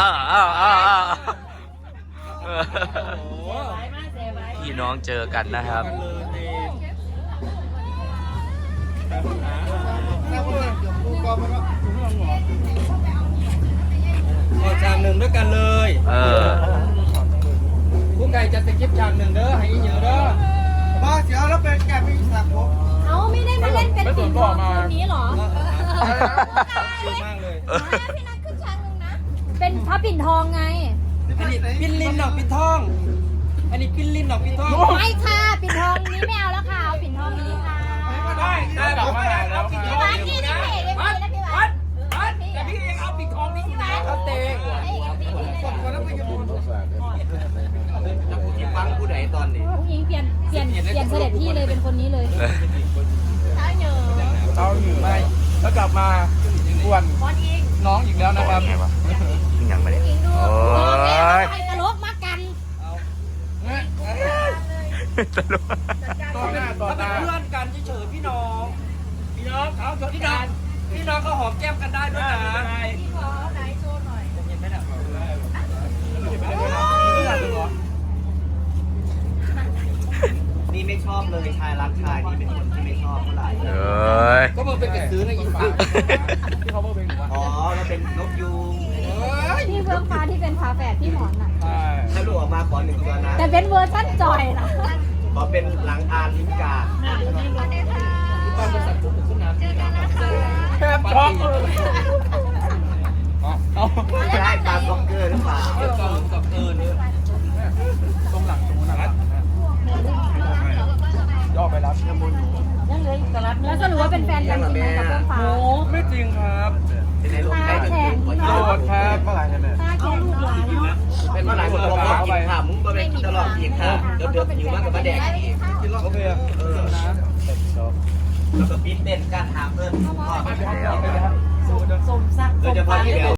พี่น้องเจอกันนะครับขอฉากหนึ่งด้วยกันเลยผู้ไก่จะสกิปฉากหนึ่งเด้อให้เยอะเด้อมาเสียแล้วเป็นแกมีฉากผมเขาไม่ได้มาเล่นเป็นปิ่นทองคนนี้หรอดีมากเลยพี่นัทขึ้นฉากหนึ่งนะเป็นพระปิ่นทองไงอันนี้ปิ้นลิ้นดอกปิ้นทองอันนี้ปิ้นลิ้นดอกปิ้นทองไม่ค่ะปิ่นทองนี้ไม่เอาแล้วค่ะเอาปิ่นทองนี้ค่ะได้แบบว่าแล้วพี่พี่วัดพี่นี่เด็กเลยนะพี่วัดแต่พี่ยังเอาปิดทองนี่อยู่นะเขาเตะฟังผู้ใดตอนนี้ผู้หญิงเปลี่ยนเสด็จที่เลยเป็นคนนี้เลยเท้าเหยื่อไม่แล้วกลับมาอ้วนน้องอีกแล้วนะครับยังไม่ได้โอ้ยตลกมากกันตลกต่อหน้าต่อตาเพื่อนกันเฉยๆพี่น้องเขาพี่น้องเขาหอมแก้มกันได้ด้วยนะพี่ขอไหนโชว์หน่อยเห็นไหมน่ะนี่ไม่ชอบเลยชายรักชายนี่เป็นคนที่ไม่ชอบเท่าไหร่ก็มึงเป็นกระซื้อในอีสานที่เขาบอกเป็นอ๋อแล้วเป็นนกยูงพี่เฟื่องฟ้าที่เป็นฝาแฝดพี่หมอนน่ะถ้าลูกออกมาขอ1 ตัวนะแต่เป็นเวอร์ชันจอยนะขอเป็นหลังอานลิมกาต้องเป็นสัตว์ทุกขึ้นน้ำแคบช็อกใช่ปลาซ็อกเกอร์หรือเปล่าซ็อกเกอร์เนี่ยตรงหลังตรงนั้นย่อไปรับยังบนอยู่แล้วสรุปว่าเป็นแฟนกันจริงไหมกับเฟื่องฟ้าไม่จริงครับตาแข็งโสดครับเมื่อไหร่เนี่ยตาแข็งลูกหลานเนาะเป็นเมื่อไหร่คนบอกว่ากินข้าวมึงก็ไม่ตลอดกินข้าวเดือดอยู่มากกับมาแดกโอเคนะแล้วก็ปิ้นเต้นการหาเพื่อนพ่อสมศักดิ์โดยเฉพาะที่เดียว